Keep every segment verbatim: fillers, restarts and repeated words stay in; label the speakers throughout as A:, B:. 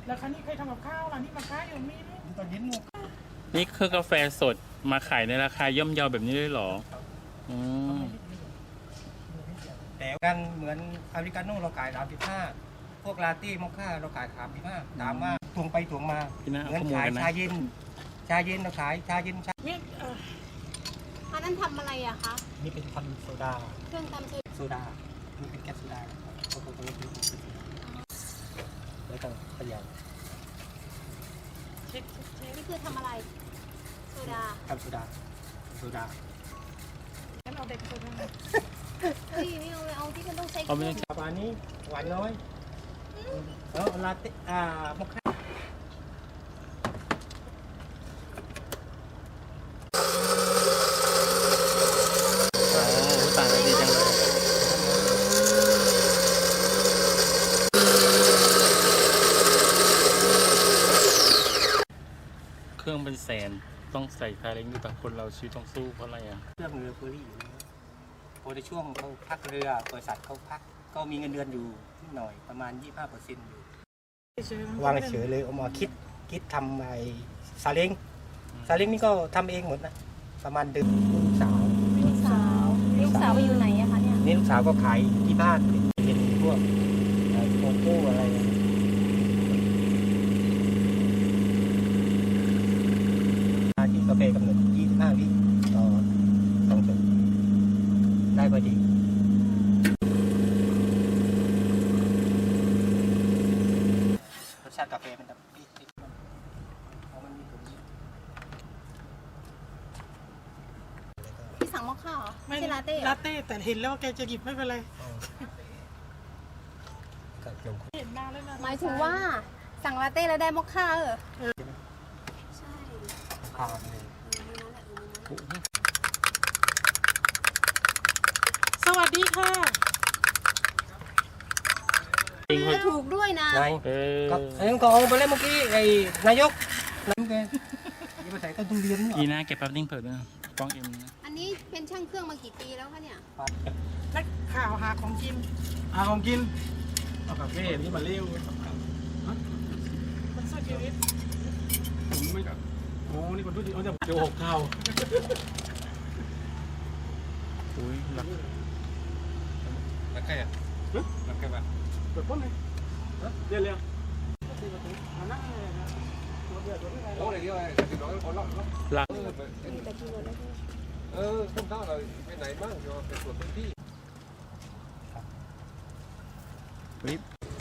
A: แล้วครั้นี้ใครทำกับข้าวล่ะนี่มาค้าอยู่มีไหมตอนเย็นหมด
B: นี่คือกาแฟสดมาขายในราคาย่อมเยาแบบนี้ด้วยหรออืม
C: แต่กันเหมือนอเมริกาโน่เราขายสามสิบห้าพวกลาเต้มอคค่าเราขายสามสิบห้าถามว่าตวงไปตวงมาเหมือนขายชาเย็นชาเย็นเราขายชาเย็นชา
A: เนี่ย
D: อันนั้นทำอะไรอะคะ
C: นี่เป็นทำโซดา
D: เครื่องทำ
C: โซดานี่เป็นแก๊สโซดาเขาตรงนี้เป็นแล้วก็พยายาม
D: นี่คือทำอะไรโซดา
C: ทำโซดาโซดา
A: งั้นเอาเด็กโซดา
D: เฮ้ยไม่เอาเลยเอาที่มันต้องใช้เค
B: เอาไม่
D: รื่อง
B: ต้อง
C: ปลานี้หวานน้อยแล้วลาเต้อ่ามอคค่า
B: ต่างกันดีจังเลยเครื่องเป็นแสนต้องใส่คาเล้งดูแต่คนเราชีวิตต้องสู้เพราะอะไรอ่ะ
C: เครื่องเรือเฟอร์รี่อยู่แล้วพอในช่วงเขาพักเรือบริษัทเขาพักก็มีเงินเดือนอยู่นิดหน่อยประมาณ ยี่สิบห้าเปอร์เซ็นต์ อยู่วางเฉยเลยเอามาคิดคิดทำไอ้ซาเล้งซาเล้งนี่ก็ทำเองหมดนะประมาณเดือนลูกสาว
D: ลูกสาวลูกสาวไปอยู่ไหนอะคะเนี่ย
C: นี่ลูกสาวก็ขายที่บ้านเป็นพวกโกโก้อะไรที่กาแฟกำหนดยี่สิบห้าวิต่อสองชั่วโมงได้พอดีรสชาติกาแฟมันจะปี๊ดๆเพราะมันมีตัวนี้
D: พี่สั่งมอคค่าเหรอไม่ใช่ลาเต้
A: ลาเต้แต่เห็นแล้วแกจะหยิบไม่เป็นไรเห็นหน้าแล้วนะ
D: หมายถึงว่าสั่งลาเต้แล้วได้มอคค่าเหรอใช่
C: ข้าวเลย
A: สวัสดีค่ะ
D: ถูกด้วยนะ
C: ไงก็เอ็งก็เอาไปเล่นเมื่อกี้ไอ้นายกนั่นแกยี่ภาษาก็ต้องเรียน
B: กีน่าเก็บแป๊บนิ่งเปิดด้วยกล้องเอ็ม
D: อันนี้เป็นช่างเครื่องมากี่ปีแล้วคะเนี่ย
A: นักข่าวหาของกิน
E: หาของกินเอาคาเฟ่นี่มาเลี้ยว
A: มันสู้ชีวิต
E: ผมไม่กับโอ้นี่คนพูดดีเอาแต่เดี๋ยวหกเท่า
B: อุ้ยรัก
E: รักใครอ่ะรักใครบ้างเปิดป้นเลยเรียนเรียนโอ้ยเดี๋ยวไอ้ติดน้องคนละ
B: รัก
E: เออคุณท่าเราไปไหนบ้างเดี๋ยวไปตรวจพื้นที่
B: วิบ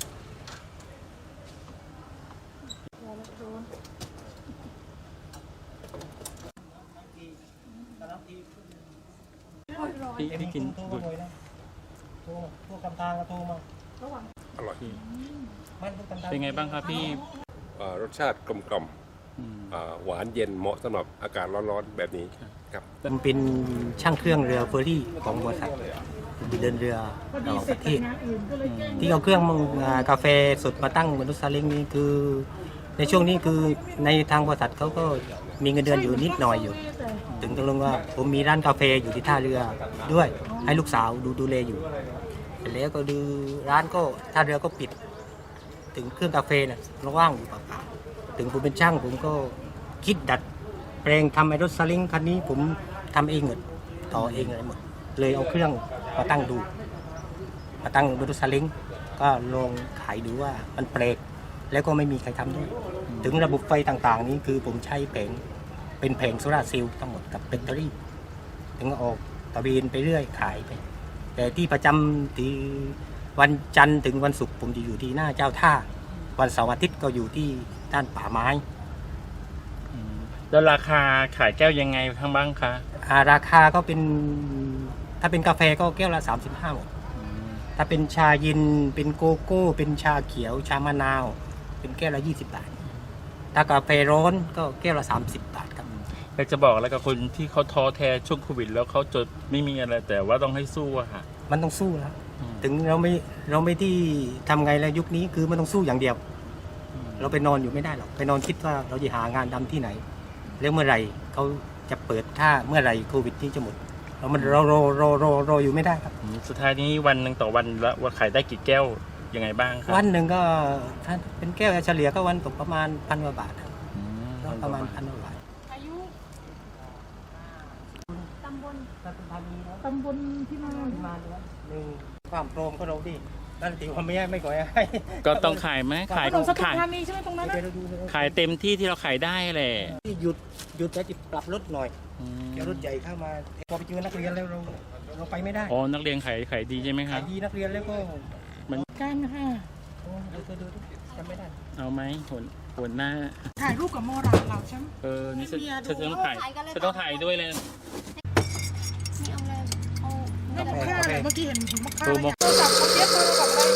B: พี่พี่กิน
C: โทรมาเลยนะโทรพวกกำทางก็โทรมา
E: อร่อย
B: เป็นไงบ้างครับพี่
E: รสชาติกลมกล่อมหวานเย็นเหมาะสำหรับอากาศร้อนๆแบบนี้ครับ
C: มันเป็นช่างเครื่องเรือเฟอร์รี่ของบริษัทเดินเรือระหว่างประเทศที่เอาเครื่องกาแฟสดมาตั้งบนรถซาเล้งนี้คือในช่วงนี้คือในทางบริษัทเขาก็มีเงินเดือนอยู่นิดหน่อยอยู่ถึงตกลงว่าผมมีร้านกาแฟอยู่ที่ท่าเรือด้วยให้ลูกสาวดูดูแลอยู่แล้วก็ดูร้านก็ท่าเรือก็ปิดถึงเครื่องกาแฟน่ะว่างอยู่เปล่าๆถึงผมเป็นช่างผมก็คิดดัดแปลงทำไอ้รถซาเล้งคันนี้ผมทำเองหมดต่อเองอะไรหมดเลยเอาเครื่องมาตั้งดูมาตั้งบนรถซาเล้งก็ลองขายดูว่ามันแปลกแล้วก็ไม่มีใครทำด้วยถึงระบบไฟต่างๆนี้คือผมใช้แผงเป็นแผงโซลาร์เซลล์ทั้งหมดกับแบตเตอรี่ถึงออกตะเวนไปเรื่อยขายไปแต่ที่ประจำที่วันจันทร์ถึงวันศุกร์ผมจะอยู่ที่หน้าเจ้าท่าวันเสาร์อาทิตย์ก็อยู่ที่ด้านป่าไม้
B: แล้วราคาขายแก้วยังไงทั้งบ้างคะ
C: ราคาก็เป็นถ้าเป็นกาแฟก็แก้วละสามสิบห้าบาทถ้าเป็นชาเย็นเป็นโกโก้เป็นชาเขียวชามะนาวเป็นแก้วละยี่สิบบาทถ้ากาแฟร้อนก็แก้วละสามสิบบาทครับ
B: อยากจะบอกอะไรกับคนที่เขาท้อแท้ช่วงโควิดแล้วเขาจดไม่มีอะไรแต่ว่าต้องให้สู้อะค่ะ
C: มันต้องสู้แล้วถึงเราไม่เราไม่ที่ทำไงแล้วยุคนี้คือมันต้องสู้อย่างเดียวเราไปนอนอยู่ไม่ได้หรอกไปนอนคิดว่าเราจะหางานทำที่ไหนแล้วเมื่อไหร่เขาจะเปิดถ้าเมื่อไหร่โควิดที่จะหมดเรามันรอรอรอรอรออยู่ไม่ได้ครับ
B: สุดท้ายนี้วันหนึ่งต่อวันละว่าขายได้กี่แก้วยังไงบ้างครับ
C: วันหนึ่งก็ถ้าเป็นแก้วเฉลี่ยก็วันตกประมาณพันกว่าบาทครับ
B: อืม
C: ก็ประมาณพันกว่าบาท
A: อายุ
D: ตำบล
A: ตำบลที่มา
C: หนึ่งความโปร่งก็เราดีนั่นติว่าไม่ให้ไม่ก่อยให้
B: ก็ต้องขายไหมขาย
A: ถนนสตุ
B: ขาย
A: ธานีใช่ไหมตรงนั้นนะ
C: เดี๋ยวเราดูเลย
B: ขายเต็มที่ที่เราขายได้แหละ
C: ที่หยุดหยุดแล้วจะปรับรถหน่อย
B: อืม
C: เดี๋ยวรถใหญ่เข้ามาพอไปเจอนักเรียนแล้วเราเราไปไม่ได้
B: อ๋อนักเรียนขายขายดีใช่ไหมค
C: ขา
B: รั
C: ย
B: บ
C: ดีนักเรียนแล้วก็
A: กันค่ะ
C: โอ้ดูดูดูจำไม่ได้
B: เอาไหมหัวหัวหน้า
A: ถ่ายรูปกับโมราเราใช่ไหม
B: เออนี่ฉัน
A: ไม่มีอะ
B: ฉันต้องถ่ายฉันต้องถ่ายด้วยเลย
D: นี่เอาอะไรเอา
A: ไม่มอคค่าเลยเมื่อกี้เห็นถุงมอคค่า
B: เออ
A: เลยโทรศัพท์เขาเย็บโทรศัพท์อะไร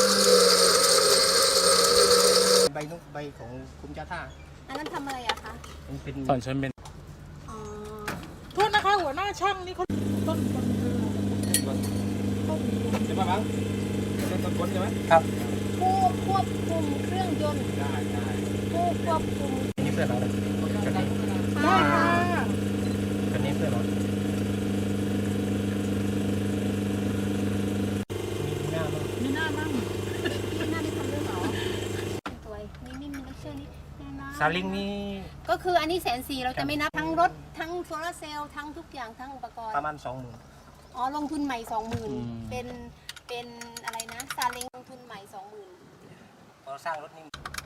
C: ใบนุกใบของคุณจ้าท่า
D: อันนั้นทำอะไรอะคะ
C: มันเป็น
B: ตอนฉันเป็น
D: อ๋อ
A: โทษนะคะหัวหน้าช่างนี่เขาต้นคนเรือ
E: ใช่ไหมบ้างเป็นต้นคนใช่ไหม
C: ครับ
D: ผู้ควบคุมเครื่องยนต์
E: ได้ได้
D: ผู้ควบคุม
C: อันนี้เพื่อนเราเลยคันนี้
A: ได้ค่ะ
C: คันนี้เพื่อนเรามีหน้าบ้าง
A: มีหน้ามั่ง
D: นี่น่าได้ทำด้วยเหรอสวยนี่นี่มีเลคเชอร์นี่แน่นอน
C: ซาลิงนี่
D: ก็คืออันนี้แสนสี่เราจะไม่นับทั้งรถทั้งโซลาร์เซลล์ทั้งทุกอย่างทั้งอุปกรณ์
C: ประมาณสองหมื่น
D: อ๋อลงทุนใหม่สองหมื่นเป็นเป็นอะไรนะซาเล้งลงทุนใหม่สองหมื่น
C: พอสร้างรถนี่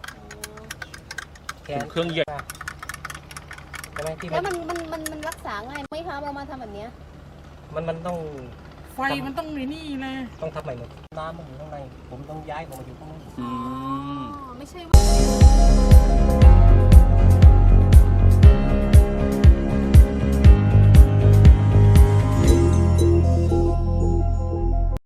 C: แข
B: เครื่องใหญ่
C: ใช่ไหมที่
D: แล้วมันมันมันมันรักษาง่ายไหมคะเรามาทำแบบเนี้ย
C: มันมันต้อง
A: ไฟมันต้องมีนี่เลย
C: ต้องทำใหม่หมดน้ำมันอยู่ข้างในผมต้องย้ายผมมาอยู่ข้างนอก
B: อืม
D: อ๋อไม่ใช่ว่า